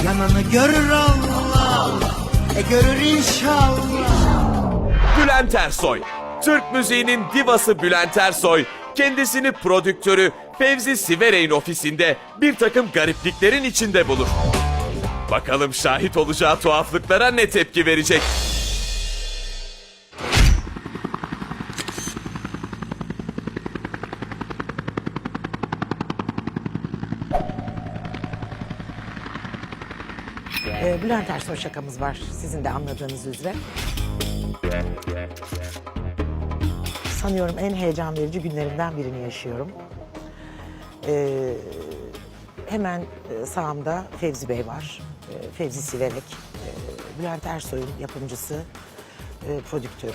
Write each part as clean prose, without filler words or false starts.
Yanını görür Allah, görür inşallah. Bülent Ersoy. Türk müziğinin divası Bülent Ersoy, kendisini prodüktörü Fevzi Siverey'in ofisinde bir takım garipliklerin içinde bulur. Bakalım şahit olacağı tuhaflıklara ne tepki verecek? Bülent Ersoy şakamız var sizin de anladığınız üzere. Sanıyorum en heyecan verici günlerimden birini yaşıyorum. Hemen sağımda Fevzi Bey var. Fevzi Siverek. Bülent Ersoy'un yapımcısı, prodüktörü.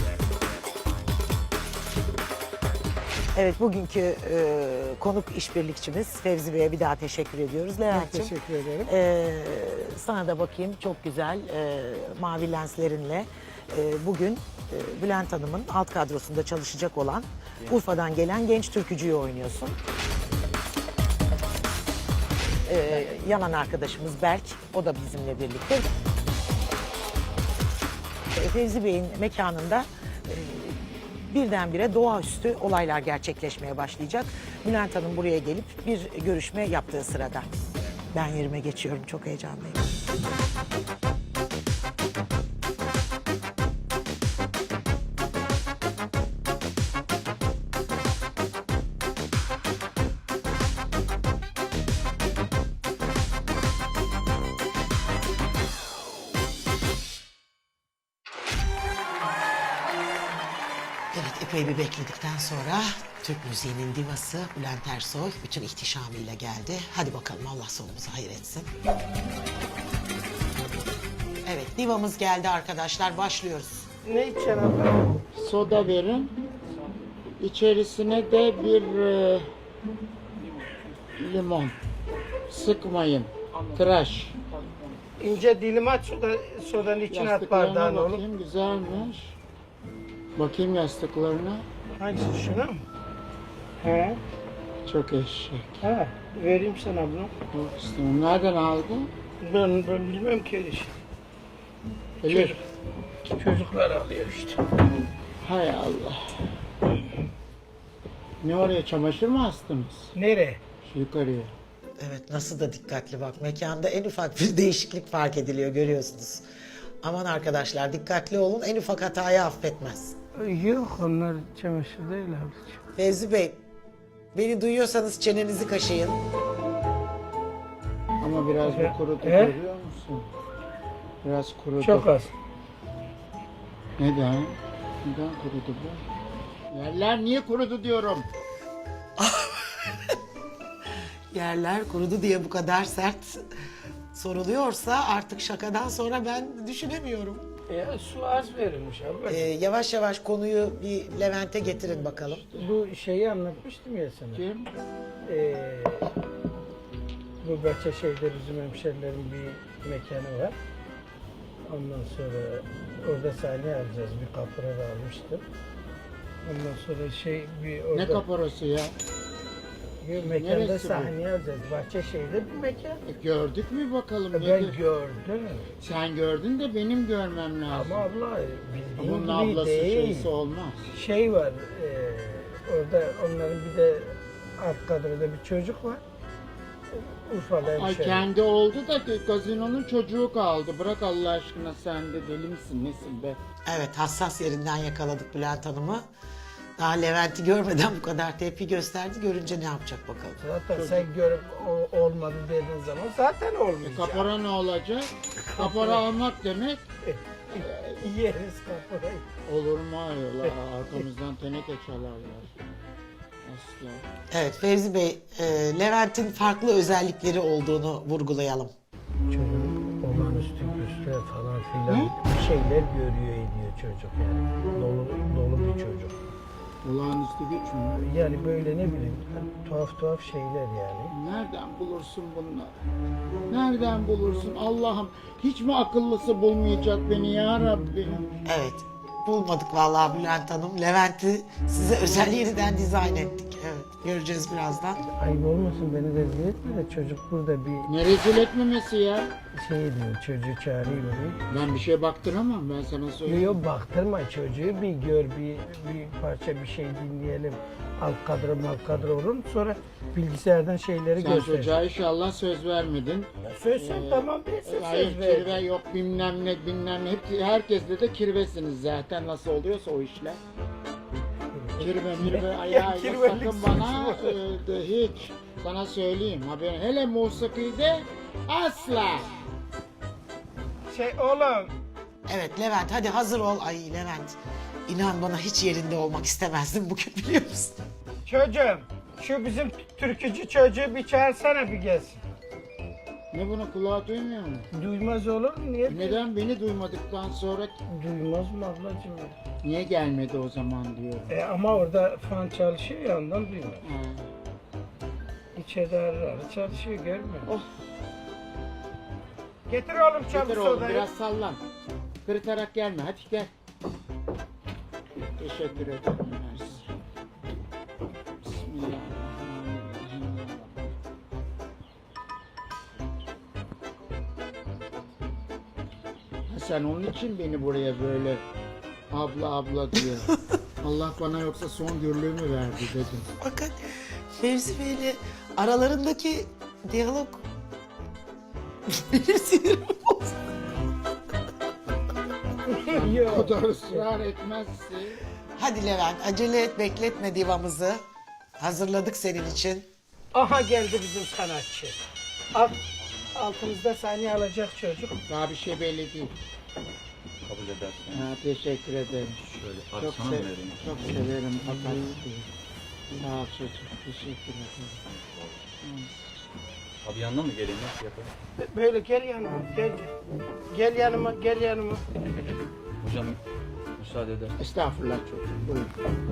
Evet, bugünkü konuk işbirlikçimiz Fevzi Bey'e bir daha teşekkür ediyoruz. Levent'ciğim, Teşekkür ederim. sana da bakayım, çok güzel mavi lenslerinle bugün Bülent Hanım'ın alt kadrosunda çalışacak olan Urfa'dan gelen genç türkücüyü oynuyorsun. Yanan arkadaşımız Berk, o da bizimle birlikte. Fevzi Bey'in mekanında birdenbire doğaüstü olaylar gerçekleşmeye başlayacak. Bülent Hanım buraya gelip bir görüşme yaptığı sırada. Ben yerime geçiyorum, çok heyecanlıyım. Evet, epey bir bekledikten sonra Türk müziğinin divası Bülent Ersoy bütün ihtişamıyla geldi. Hadi bakalım, Allah sonumuzu hayır etsin. Evet, divamız geldi arkadaşlar, başlıyoruz. Ne içeceksin abla? Soda verin. İçerisine de bir limon. Sıkmayın. Tıraş. İnce dilim at sodanın içine at bardağın Yastıklarına oğlum. bakayım, güzelmiş. Bakayım yastıklarına. Hangisi şuna mı? He. Çok eşek. Ha, vereyim sana bunu. Yok istemem. Nereden aldın? Ben bilmem ki öyle şey. Elif. Çocuklar alıyor işte. Hay Allah. Ne oraya, çamaşır mı astınız? Nereye? Şu yukarıya. Evet, nasıl da dikkatli bak. Mekanda en ufak bir değişiklik fark ediliyor, görüyorsunuz. Aman arkadaşlar, dikkatli olun, en ufak hatayı affetmez. Yok, onlar çamaşır değil ablacığım. Fevzi Bey, beni duyuyorsanız çenenizi kaşıyın. Ama biraz bir kurudu, He? görüyor musun? Biraz kurudu. Çok az. Neden? Neden kurudu bu? Yerler niye kurudu diyorum. Yerler kurudu diye bu kadar sert soruluyorsa artık şakadan sonra ben düşünemiyorum. Su az verilmiş abla. Yavaş yavaş konuyu bir Levent'e getirin bakalım. Bu şeyi anlatmıştım ya sana. Kim? Bu Bahçeşehir'de bizim hemşerilerin bir mekanı var. Ondan sonra orada sahne alacağız. Bir kapora almıştım. Ondan sonra bir orada... Ne kaparası ya? Bir mekanda Neresi bu? sahne alacağız. Bahçeşehir'de bir mekan. Gördük mü bakalım? Ben nedir? gördüm. Sen gördün de benim görmem lazım. Ama abla bildiğin Bunun gibi ablası değil. şeysi olmaz. Şey var, orada onların bir de alt kadroda bir çocuk var. Urfa'da Ay hemşeri. kendi oldu da gazinonun çocuğu kaldı. Bırak Allah aşkına, sen de deli misin nesin be? Evet, hassas yerinden yakaladık Bülent Hanım'ı. Daha Levent'i görmeden bu kadar tepki gösterdi. Görünce ne yapacak bakalım. Zaten sen görüp olmadı dediğin zaman zaten olmayacak. Kapora ne olacak? Kapora almak demek Yeriz kaporayı. olur mu ayol? Arkamızdan teneke çalarlar. Asla. Evet Fevzi Bey, Levent'in farklı özellikleri olduğunu vurgulayalım. Çocuk olağanüstü güçler falan filan bir şeyler görüyor ediyor çocuk yani. Dolu bir çocuk. Olağanüstü güç mü? Yani böyle ne bileyim tuhaf şeyler yani. Nereden bulursun bunları? Nereden bulursun Allah'ım? Hiç mi akıllısı bulmayacak beni ya Rabbi? Evet, bulmadık vallahi Bülent Hanım. Levent'i size özel yeniden dizayn ettik. Evet, göreceğiz birazdan. Ayıp olmasın beni rezil etme de çocuk burada bir Ne rezil etmemesi ya? şey diyor, çocuğu çağırayım oraya. Ben bir şey baktıramam, ben sana söyleyeyim. Yok baktırma çocuğu, bir gör, bir parça bir şey dinleyelim. Alt kadro olur mu? Sonra bilgisayardan şeyleri Sen göster. çocuğa inşallah söz vermedin. Söz sen tamam ben Hayır, söz ver. kirve yok, bilmem ne bilmem ne. Herkesle de kirvesiniz zaten, nasıl oluyorsa o işler. Kirve mirve ayağıyla kirvelik sakın bana de hiç. Sana söyleyeyim haberin. Hele musikide asla. Şey oğlum, Evet Levent hadi hazır ol. Ay Levent inan bana hiç yerinde olmak istemezdim bugün biliyor musun? çocuğum şu bizim türkücü çocuğu bir çağırsana bir gelsin. Ne bunu kulağa duymuyor mu? Duymaz olur mu? Niye? Neden beni duymadıktan sonra Duymaz mı ablacığım? niye gelmedi o zaman diyorum. Ama orada fan çalışıyor ya ondan duymuyor. Ha. İçeride ara çalışıyor görmüyor musun? Oh. Getir oğlum Getir çabuk oğlum sodayı. biraz sallan. Kırıtarak gelme hadi gel. Teşekkür ederim. Mersi. Bismillahirrahmanirrahim. Ha, sen onun için beni buraya böyle abla abla diyor. Allah bana yoksa son gürlüğümü verdi dedim. Bakın Fevzi Bey'le aralarındaki diyalog benim sinirimi bozdu. O Yok. kadar ısrar etmezsin. Hadi Levent acele et bekletme divamızı. Hazırladık senin için. Aha geldi bizim sanatçı. Altımızda saniye alacak çocuk. Daha bir şey belli değil. Kabul edersen Ha, teşekkür ederim. şöyle Çok, atsana vereyim. çok severim Atatürk'ü. Sağ ol çocuğum. Teşekkür ederim. Abi yanına mı geleyim, nasıl yapalım? Böyle gel yanıma gel. Gel yanıma gel yanıma. Hocam müsaade eder. Estağfurullah çocuğum. Buyurun.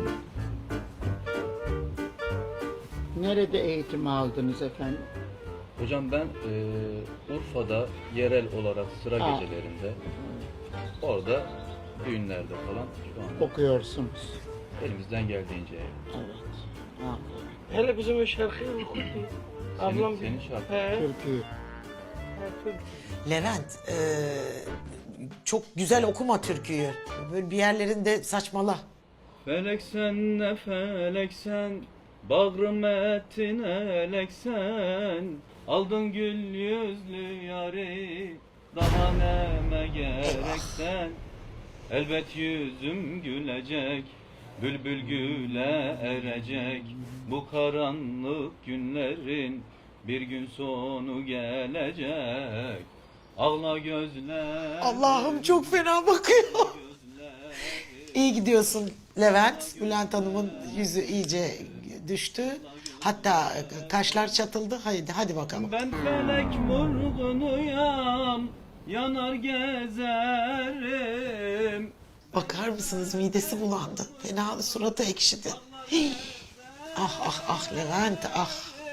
Nerede eğitim aldınız efendim? Hocam ben Urfa'da yerel olarak sıra Ha. gecelerinde orada düğünlerde falan şu anda Okuyorsunuz. elimizden geldiğince Evet. Ha, Hele bizim o şarkıyı oku. Ablam senin şarkın. He. Türkiye. Levent çok güzel okuma türküyü. Böyle bir yerlerinde saçmala. Felek sen ne felek sen, bağrım ettin elek sen, aldın gül yüzlü yari, daha neme gerek sen. Elbet yüzüm gülecek, bülbül güle erecek, bu karanlık günlerin bir gün sonu gelecek. Ağla gözler. Allah'ım çok fena bakıyor. İyi gidiyorsun Levent. Bülent Hanım'ın yüzü iyice düştü. Hatta kaşlar çatıldı. Hadi bakalım. Ben felek vurgunuyam, yanar gezerim. Bakar mısınız midesi bulandı. Fena suratı ekşidi. Hii. Ah ah ah Levent ah.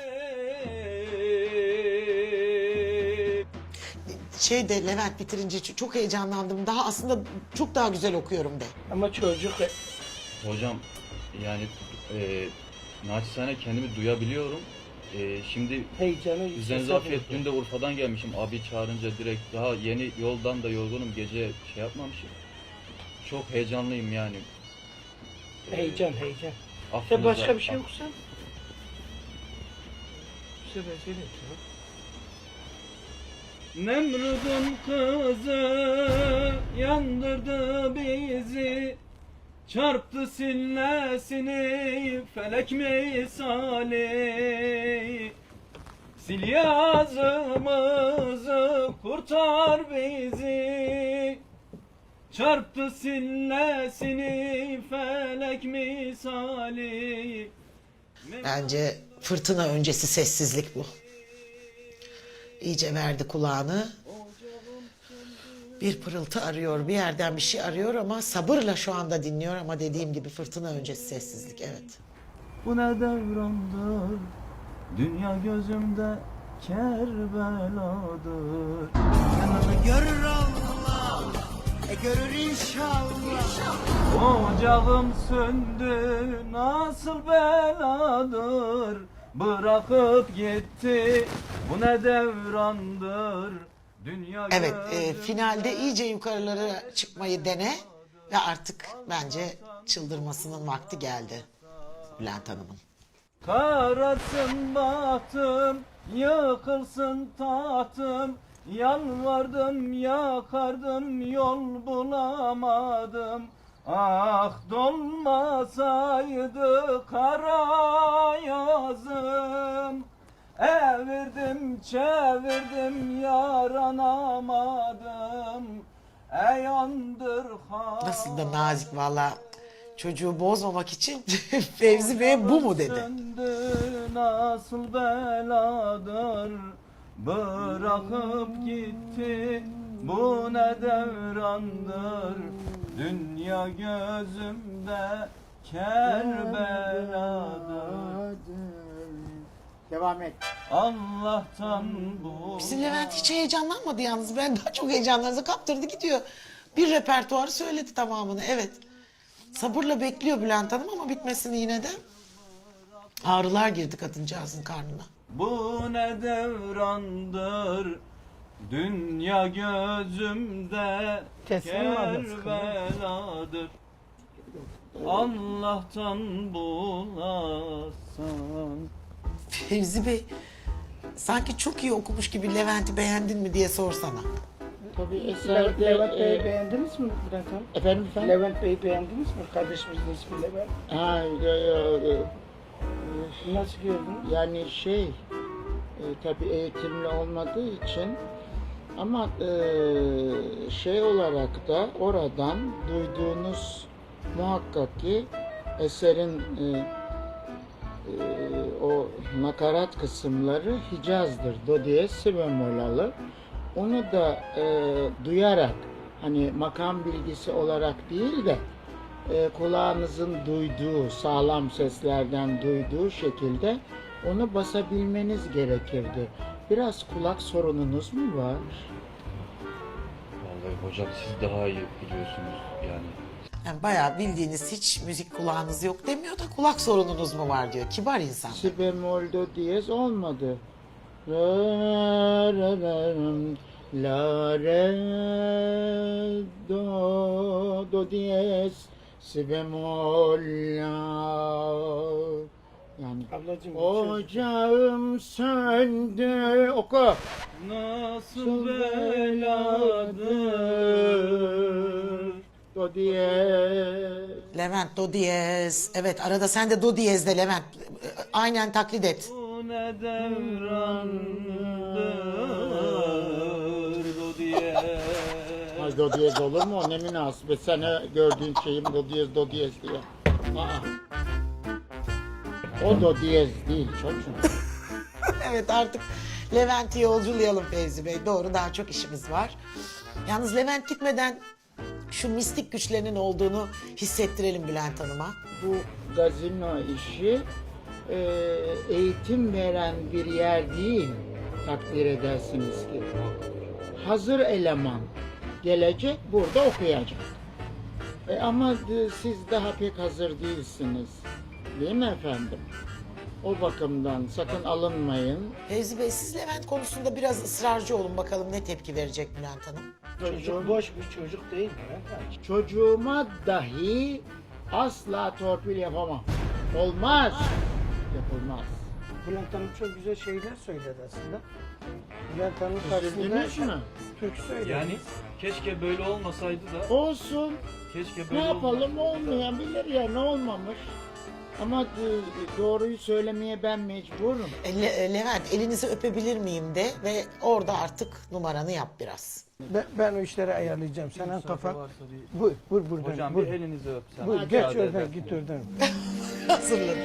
Levent bitirince çok heyecanlandım. Daha aslında çok daha güzel okuyorum de. Ama çocuk Hocam yani naçizane kendimi duyabiliyorum. Şimdi heyecanı üzerinize afiyet, dün de Urfa'dan gelmişim, abi çağırınca direkt, daha yeni yoldan da yorgunum, gece şey yapmamışım. Çok heyecanlıyım yani. Heyecan. Affınıza- Sen başka bir şey okusan. Söyle. Nemrud'un kızı yandırdı bizi, çarptı sillesini felek misali. Sil yazımızı kurtar bizi, çarptı sillesini felek misali. Bence fırtına öncesi sessizlik bu. İyice verdi kulağını. Bir pırıltı arıyor, bir yerden bir şey arıyor ama sabırla şu anda dinliyor ama dediğim gibi fırtına öncesi sessizlik, evet. Bu ne devrandır, dünya gözümde Kerbeladır. Görür Allah görür inşallah. Ocağım söndü nasıl beladır, bırakıp gitti bu ne devrandır. Dünya Evet, gözüm finalde iyice yukarılara çıkmayı dene ve artık bence çıldırmasının vakti geldi Bülent Hanım'ın. Karasın bahtım, yıkılsın tahtım, yalvardım yakardım yol bulamadım. Ah dolmasaydı kara yazım, evirdim çevirdim yaranamadım. Ey andır Nasıl da nazik valla, çocuğu bozmamak için Fevzi Bey bu mu dedi. söndü nasıl beladır, bırakıp gitti bu ne devrandır. Dünya gözümde Kerbeladır. Devam et. Allah'tan bu. Bizim Levent hiç heyecanlanmadı yalnız. Ben daha çok heyecanlarınıza kaptırdı gidiyor. Bir repertuar söyledi tamamını, evet. Sabırla bekliyor Bülent Hanım ama bitmesini yine de. Ağrılar girdi kadıncağızın karnına. Bu ne devrandır, dünya gözümde Kesin mi adı? Kerbeladır. Allah'tan bulasın. Fevzi Bey, sanki çok iyi okumuş gibi Levent'i beğendin mi diye sorsana. Tabii eserde... Levent Bey'i beğendiniz mi Bülent Hanım? Efendim? Levent Bey'i beğendiniz mi? Kardeşimizin ismi Levent. Ha, Nasıl gördünüz? yani tabii eğitimli olmadığı için ama şey olarak da oradan duyduğunuz muhakkak ki eserin o nakarat kısımları Hicaz'dır. Do diyez si bemol alır. Onu da duyarak, hani makam bilgisi olarak değil de kulağınızın duyduğu, sağlam seslerden duyduğu şekilde onu basabilmeniz gerekirdi. Biraz kulak sorununuz mu var? Vallahi hocam siz daha iyi biliyorsunuz yani. Yani bayağı bildiğiniz, hiç müzik kulağınız yok demiyor da kulak sorununuz mu var diyor. Kibar insan. Si bemol do diyez olmadı. Re re re la re do diyez si bemol la. Yani Ablacığım, ocağım söndü, oku. Nasıl beladır, Do diyez. Levent do diyez. Evet, arada sen de do diyezde Levent. Aynen taklit et. bu ne devrandır, do diye. Ay do diyez olur mu? O ne münasebet. Sen gördüğün şeyim do diyez diye. Aa. O do diyez değil çocuğum. Evet, artık Levent'i yolculayalım Fevzi Bey. Doğru, daha çok işimiz var. Yalnız Levent gitmeden şu mistik güçlerinin olduğunu hissettirelim Bülent Hanım'a. Bu gazino işi eğitim veren bir yer değil, takdir edersiniz ki. Hazır eleman gelecek, burada okuyacak. Ama siz daha pek hazır değilsiniz. Değil mi efendim? O bakımdan sakın alınmayın. Fevzi Bey, siz Levent konusunda biraz ısrarcı olun, bakalım ne tepki verecek Bülent Hanım. çocuk boş bir çocuk değil Bülent Hanım. Çocuğuma dahi asla torpil yapamam. Olmaz. Yapılmaz. Bülent Hanım çok güzel şeyler söyledi aslında. Bülent Hanım karşısında Üzüldünüz mü? Türk söyledi. Yani keşke böyle olmasaydı da. Olsun. Keşke Ne böyle yapalım, olmasaydı da. olmayabilir ya, ne olmamış. Ama doğruyu söylemeye ben mecburum. Levent, elinizi öpebilir miyim de ve orada artık numaranı yap biraz. Ben o işleri ayarlayacağım. Senin kafan. Buyur buradan. Hocam buyur. bir elinizi öpsem. Buyur, Müsaade geç oradan, edersiniz. git oradan. Hazırladım.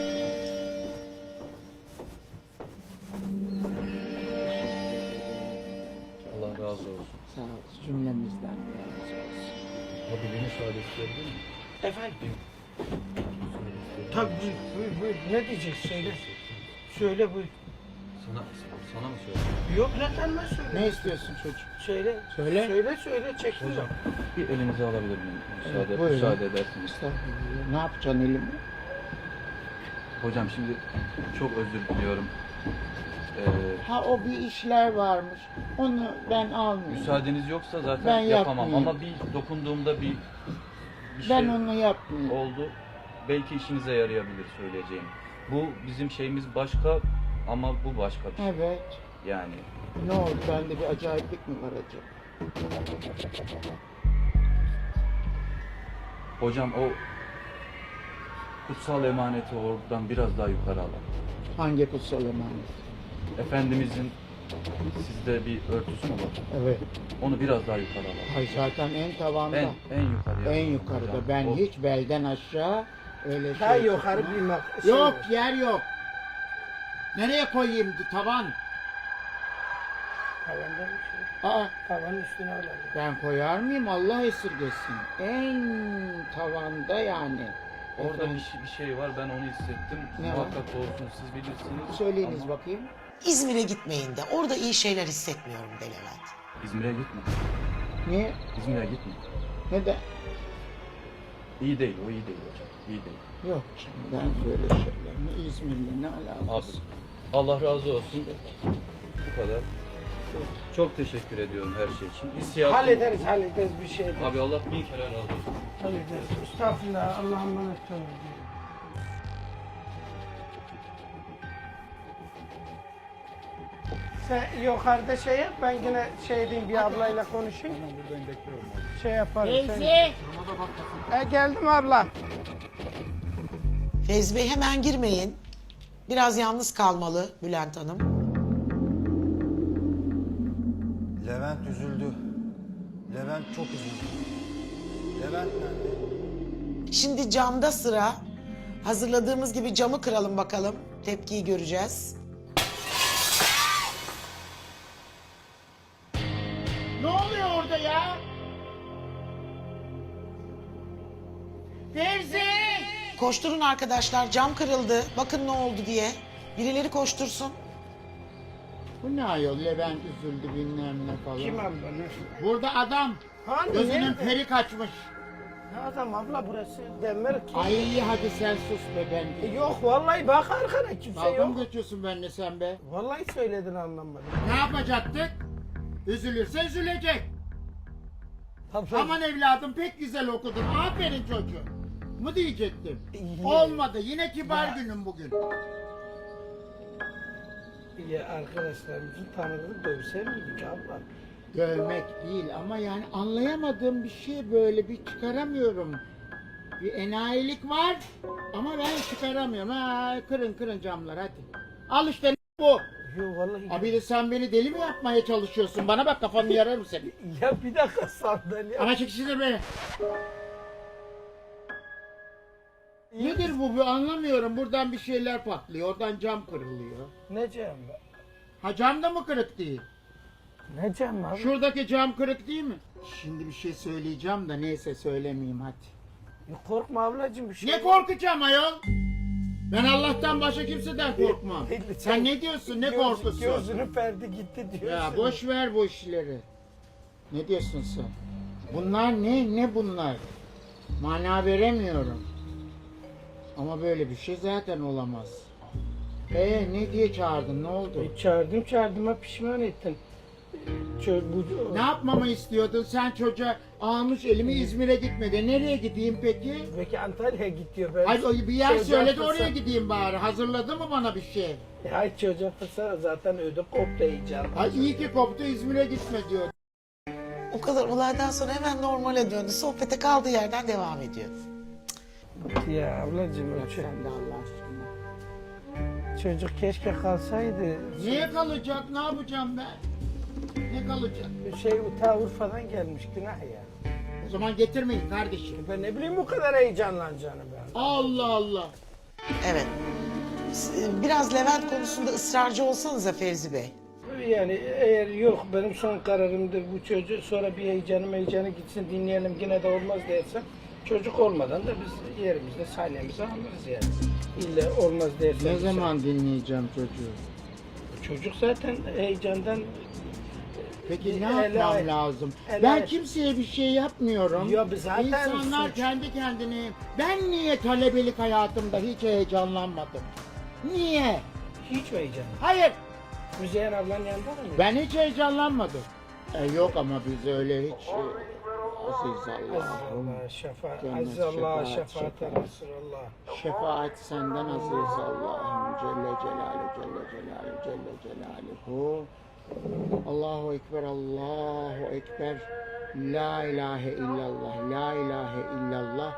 Allah razı olsun. Sağ ol, cümlemizden razı olsun. Abi beni müsaade isteyebilir miyim? Efendim? Tabii buyur. Ne diyeceksin söyle. Söyle buyur. Sana mı söyleyeyim? Yok lan sen ne söyle? Ne istiyorsun çocuk? Söyle. Söyle. Söyle çektim. Hocam bir elinizi alabilir miyim? Buyurun. Müsaade edersiniz. Estağfurullah. Ne yapacaksın elimi? Hocam şimdi çok özür diliyorum. Ha o bir işler varmış. Onu ben almayayım. Müsaadeniz yoksa zaten Ben yapamam yapmayayım. ama bir dokunduğumda bir Ben şey onu yapmayayım. oldu. Belki işinize yarayabilir söyleyeceğim. Bu bizim şeyimiz başka ama bu başka bir şey. Evet. Yani Ne oldu? Bende bir acayiplik mi var acaba? hocam o kutsal emaneti oradan biraz daha yukarı alalım. Hangi kutsal emanet? Efendimizin sizde bir örtüsü mü var? Evet. Onu biraz daha yukarı alalım. Ay zaten en tavanda. En yukarıya. En yukarıda. Hocam, Ben o- hiç belden aşağı öyle Daha şey yukarı tutmam. bir Yok, yer yok. Nereye koyayım tavan? Tavanda bir şey. Aa, Tavanın üstüne alalım. ben koyar mıyım? Allah esirgesin. En tavanda yani. Orada Efendim, bir şey var, ben onu hissettim. Ne var? Muhakkak doğrusunu siz bilirsiniz. söyleyiniz Ama bakayım. İzmir'e gitmeyin de orada iyi şeyler hissetmiyorum de Levent. İzmir'e gitme. Niye? İzmir'e gitme. Neden? İyi değil, o iyi değil hocam. İyi değil. Yok canım, ben böyle şeyler. Ne İzmir'le ne Abi, alakası? Allah razı olsun. Bu kadar. Çok teşekkür ediyorum her şey için. İstiyatım. Hallederiz bir şey. Abi Allah bin kere razı olsun. Hallederiz. Estağfurullah. Allah'a emanet olun. Sen yukarıda şey yap, ben yine şey diyeyim, bir ablayla konuşayım. Şey yaparım. Teyze! Geldim abla. Fevzi Bey hemen girmeyin. Biraz yalnız kalmalı Bülent Hanım. Levent üzüldü. Levent çok üzüldü. Levent nerede? Şimdi camda sıra. Hazırladığımız gibi camı kıralım bakalım. Tepkiyi göreceğiz. Ne oluyor orada ya? Teyze! Koşturun arkadaşlar, cam kırıldı. Bakın ne oldu diye. Birileri koştursun. Bu ne ayol? Levent üzüldü bilmem ne falan. Kim abla? Ne? Burada adam. Hani Gözünün nerede? peri kaçmış. Ne adam abla burası? Demir ki. Ay hadi sen sus be ben. Yok vallahi bak arkana kimse Dalga mı yok. geçiyorsun benimle sen be? Vallahi söyledin anlamadım. Ne yapacaktık? Üzülürse üzülecek. Abla, Aman evladım pek güzel okudun. Aferin çocuğum. Mu diyecektim. İyi. Olmadı. Yine kibar günüm bugün. ya arkadaşlarımızın tanıdığı dövse miydik abla? Dövmek değil ama yani anlayamadığım bir şey böyle bir çıkaramıyorum. Bir enayilik var ama ben çıkaramıyorum. Ha, kırın camlar hadi. Al işte bu. Yok vallahi. Abi de sen beni deli mi yapmaya çalışıyorsun? Bana bak kafanı yararım seni. Ya bir dakika sandalye. Ama çekiştir beni. Nedir bu? Anlamıyorum. Buradan bir şeyler patlıyor. Oradan cam kırılıyor. Ne cam be? Ha cam da mı kırık değil? Ne cam abi? Şuradaki cam kırık değil mi? Şimdi bir şey söyleyeceğim da neyse söylemeyeyim hadi. Ya korkma ablacığım bir şey. Ne korkacağım ayol? Ben Allah'tan başka kimseden korkmam. Belli, Sen ne diyorsun? Ne korkusu? Gözünü perdi gitti diyorsun. Ya boş ver bu işleri. Ne diyorsun sen? Bunlar ne? Ne bunlar? Mana veremiyorum. Ama böyle bir şey zaten olamaz. Ne diye çağırdın? Ne oldu? Çağırdığıma pişman ettin. Ne yapmamı istiyordun? Sen çocuğa almış elimi İzmir'e gitmedi. Nereye gideyim peki? Peki Antalya'ya git diyor. Ben Ay bir yer çocuğa söyledi fırsat- oraya gideyim bari. Hazırladı mı bana bir şey? Ay çocuğa fırsat zaten ödüm koptu heyecan. Ay iyi ki koptu İzmir'e gitme diyor. O kadar olaydan sonra hemen normale döndü. Sohbete kaldığı yerden devam ediyor. Ya ablacığım o Sen de Allah aşkına. çocuk keşke kalsaydı. Niye kalacak? Ne yapacağım ben? Ne kalacak? Ta Urfa'dan gelmiş günah ya. O zaman getirmeyin kardeşim. Ben ne bileyim bu kadar heyecanlanacağını ben. Allah Allah. Evet. Biraz Levent konusunda ısrarcı olsanıza Fevzi Bey. Yani eğer yok benim son kararımdır bu çocuğu sonra bir heyecanı gitsin dinleyelim yine de olmaz dersen çocuk olmadan da biz yerimizde sahnemizi alırız yani. İlla olmaz dersen. Ne zaman dinleyeceğim çocuğu? Çocuk zaten heyecandan Peki ne Ele- yapmam lazım? ele- Ben kimseye bir şey yapmıyorum. Ya biz zaten İnsanlar suç. kendi kendine... Ben niye talebelik hayatımda hiç heyecanlanmadım? Niye? hiç heyecan. Hayır, Müzeyyen ablanın yanında mı? ben hiç heyecanlanmadım. Yok ama biz öyle hiç... Aziz Allah'ım. Allah şefaat. Cennet, Aziz Allah şefaat, şefaat şefaat. Resulallah. Şefaat senden aziz Allah'ım. Celle Celaluhu, Celle Celaluhu, Celle Celaluhu. Allahu Ekber, Allahu Ekber. La ilahe illallah, la ilahe illallah.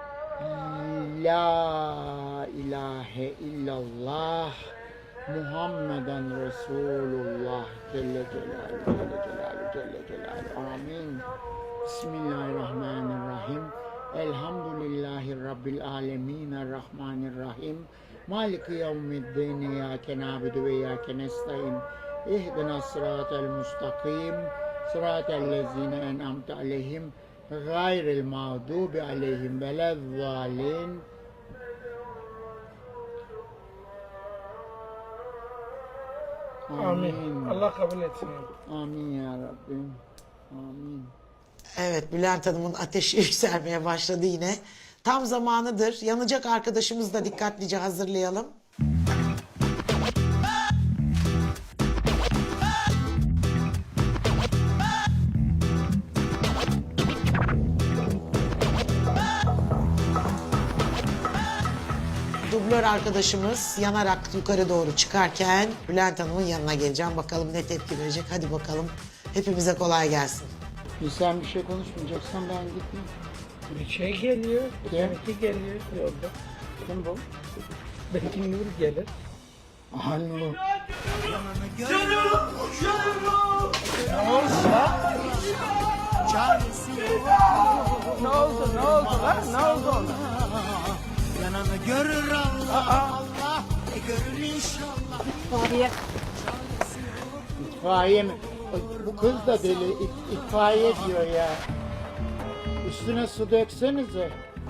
La ilahe illallah. Muhammeden Resulullah. Celle Celaluhu, Celle Celaluhu, Celle Celaluhu. Amin. Bismillahirrahmanirrahim. Elhamdülillahi Rabbil alemin. Errahmanirrahim. Maliki yevmiddin. İyyâke na'budu ve iyyâke nestaîn. İhdina sıratel mustakim. Sıratel lezîne en'amte aleyhim. Gayril mağdubi aleyhim velezzalin. Amin. Allah kabul etsin. Amin ya Rabbim. Amin. Evet, Bülent Hanım'ın ateşi yükselmeye başladı yine. Tam zamanıdır. Yanacak arkadaşımızı da dikkatlice hazırlayalım. Dublör arkadaşımız yanarak yukarı doğru çıkarken Bülent Hanım'ın yanına geleceğim. Bakalım ne tepki verecek. Hadi bakalım. Hepimize kolay gelsin. Sen bir şey konuşmayacaksan ben gitmeyeyim. Bir şey geliyor. Kim? Seninki geliyor yolda. Kim bu? Belki Nur gelir. Alo. Ne oldu? Ne oldu lan? Ne oldu ona? Yananı görür Allah. Allah. Görür inşallah. İtfaiye mi? Bu kız da deli. İtfaiye diyor ya. Üstüne su döksenize.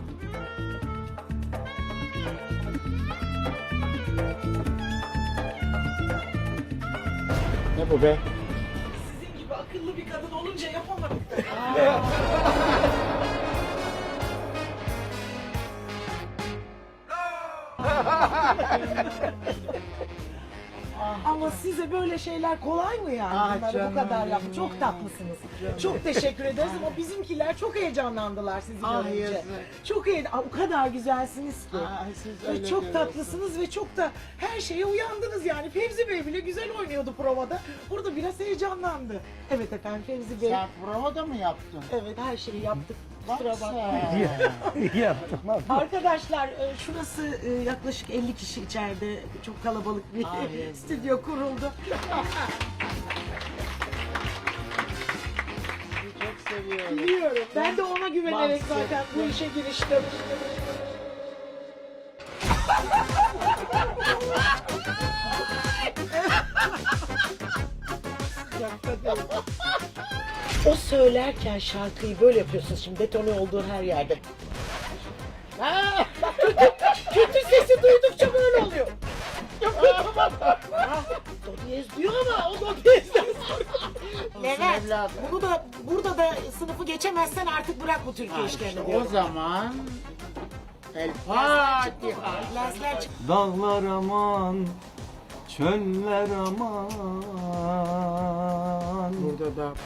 Ne bu be? Sizin gibi akıllı bir kadın olunca yapamadım. Ama size böyle şeyler kolay mı yani? Ah Bunları canım bu kadar yapın. benim. Çok tatlısınız. Canım. Çok teşekkür ederiz ama bizimkiler çok heyecanlandılar sizi Ah, görünce. yazık. Çok o kadar güzelsiniz ki. Siz Ve öyle çok diyorsunuz. tatlısınız ve çok da her şeye uyandınız yani. Fevzi Bey bile güzel oynuyordu provada. Burada biraz heyecanlandı. Evet efendim Fevzi Bey. Sen provada mı yaptın? Evet her şeyi yaptık. Kusura Bak bakmayın. sen. Yaptım abi. Arkadaşlar şurası yaklaşık 50 kişi içeride çok kalabalık bir Ay. stüdyo kuruldu. Çok seviyorum. Biliyorum. Ben de ona güvenerek Bahsettim. zaten bu işe giriştim. O söylerken şarkıyı böyle yapıyorsunuz şimdi detone olduğun her yerde. Bak kötü sesi duydukça böyle oluyor. Do diyez diyor ama o do diyezden Levent, evladım. bunu da burada da sınıfı geçemezsen artık bırak bu Türkiye işlerini O diyorum. zaman El Fatiha. Lensler çık. Dağlar aman, çöller aman. Burada da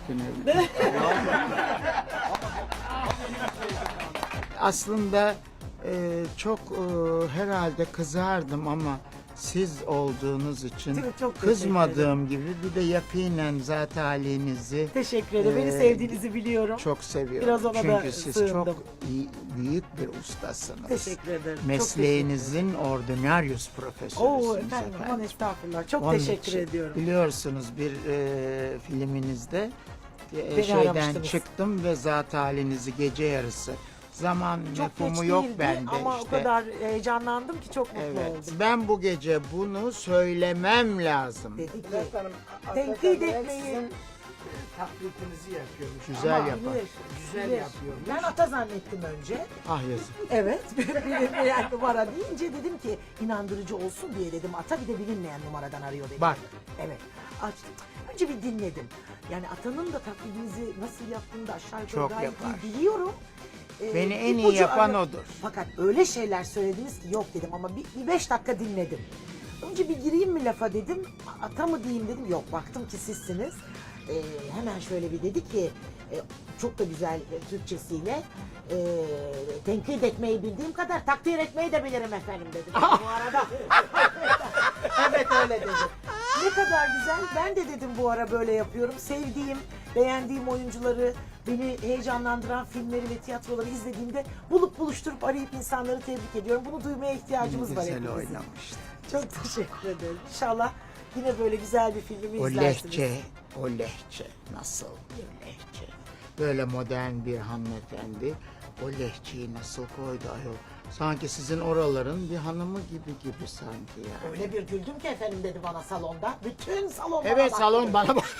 aslında çok herhalde kızardım ama siz olduğunuz için Çok teşekkür kızmadığım gibi bir de yakinen zat halinizi Teşekkür ederim. Beni sevdiğinizi biliyorum. çok seviyorum. Biraz ona da Çünkü siz sığındım. çok büyük bir ustasınız. Teşekkür ederim. Çok Mesleğinizin ordinaryus teşekkür ederim. profesörüsünüz Oo efendim aman estağfurullah. Çok Onun teşekkür için ediyorum. Biliyorsunuz bir filminizde Beni şeyden aramıştınız. çıktım ve zat halinizi gece yarısı. Zaman Çok mefhumu geç yok değildi bende ama işte. o kadar heyecanlandım ki çok mutlu Evet. oldum. Ben bu gece bunu söylemem lazım. Dedi ki Bülent Hanım, tenkit hakikaten ben etmeyi sizin taklitinizi yapıyormuş. Güzel Ama yapar. Güzel Bilir. yapıyormuş. Ben ata zannettim önce. Ah yazık. Evet. Bilinmeyen numara deyince dedim ki inandırıcı olsun diye dedim. Ata bir de bilinmeyen numaradan arıyor dedim. Bak. Evet. Açtım. Önce bir dinledim. Yani atanın da taklidinizi nasıl yaptığını da aşağı yukarı Çok gayet yapar. iyi biliyorum. Beni en iyi ipucu yapan arıyor. odur. Fakat öyle şeyler söylediniz ki yok dedim ama bir 5 dakika dinledim. Önce bir gireyim mi lafa dedim. Ata mı diyeyim dedim. Yok baktım ki sizsiniz. Hemen şöyle bir dedi ki çok da güzel Türkçesiyle tenkit etmeyi bildiğim kadar takdir etmeyi de bilirim efendim dedim. Bu arada. Evet öyle dedi. Ne kadar güzel. Ben de dedim bu ara böyle yapıyorum. Sevdiğim, beğendiğim oyuncuları, beni heyecanlandıran filmleri ve tiyatroları izlediğimde bulup buluşturup arayıp insanları tebrik ediyorum. Bunu duymaya ihtiyacımız var Güzel hepimizin. oynamıştı. Çok teşekkür ederim. İnşallah yine böyle güzel bir filmimi O izlersiniz. lehçe, o lehçe nasıl bir lehçe? Böyle modern bir hanımefendi o lehçeyi nasıl koydu ayol? Sanki sizin oraların bir hanımı gibi sanki yani. Öyle bir güldüm ki efendim dedi bana salonda. Bütün salon bana Evet baktı. salon bana bak.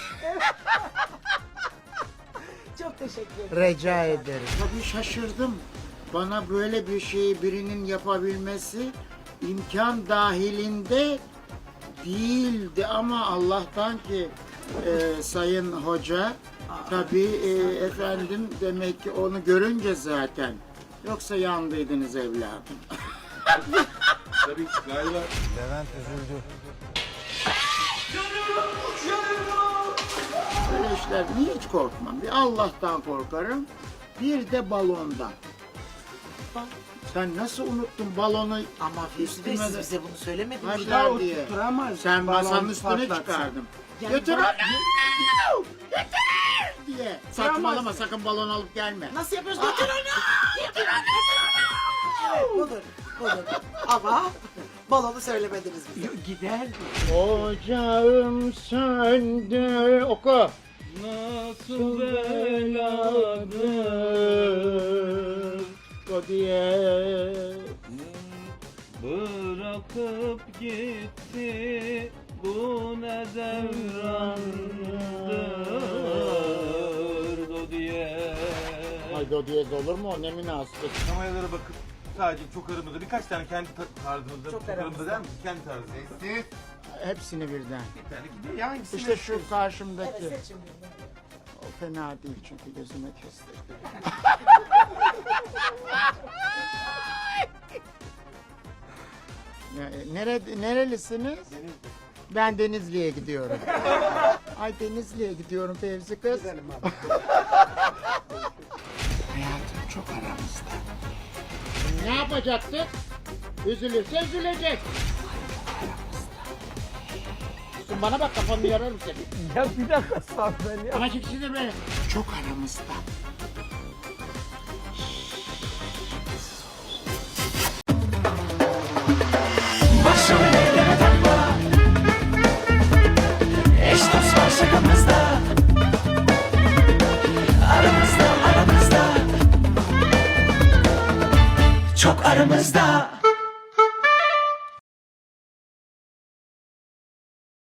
Çok teşekkür ederim. Rica ederim. Tabii şaşırdım. Bana böyle bir şeyi birinin yapabilmesi imkan dahilinde değildi ama Allah'tan ki Sayın Hoca tabii efendim demek ki onu görünce zaten yoksa yandıydınız evladım. Levent üzüldü. Böyle işlerden hiç korkmam. Bir Allah'tan korkarım. Bir de balondan. Sen nasıl unuttun balonu? Ama Füsun Bey Üstüme siz de- bize bunu söylemediniz. Haşlar o diye. tutturamaz. Sen Balon masanın üstüne patlatsın. çıkardım. Yani Götür ben- onu! Götür! diye. Saçmalama sakın balon alıp gelme. Nasıl yapıyoruz? Götür onu! Evet budur. Budur. Ama balonu söylemediniz bize. Gider. Ocağım söndü. Oku. Nasıl beladır O diye. bırakıp gitti bu ne devrandır do diye. Ay do diyez olur mu? O ne münasebet. Kameralara bakıp sadece çok aramızda birkaç tane kendi tarzımızda Çok çok aramızda aramızda. der misin? Kendi tarzı. Sessiz. Hepsini birden. Bir tane gidiyor. Ya hangisini İşte şu karşımdaki. Evet seçin birini. O fena değil çünkü gözüme kestirdi. Nerelisiniz? Ben Denizli'ye gidiyorum. Ay Denizli'ye gidiyorum Fevzi kız. Hayatım çok aramızda. Ne yapacaktık? Üzülürse üzülecek. Aramızda. Bana bak kafanı yararım seni. Ya bir dakika sağ ben ya. Ama ikisi de böyle. Çok aramızda. Başrol eyleme takma. Eş dost var şakamızda. Aramızda. Çok aramızda.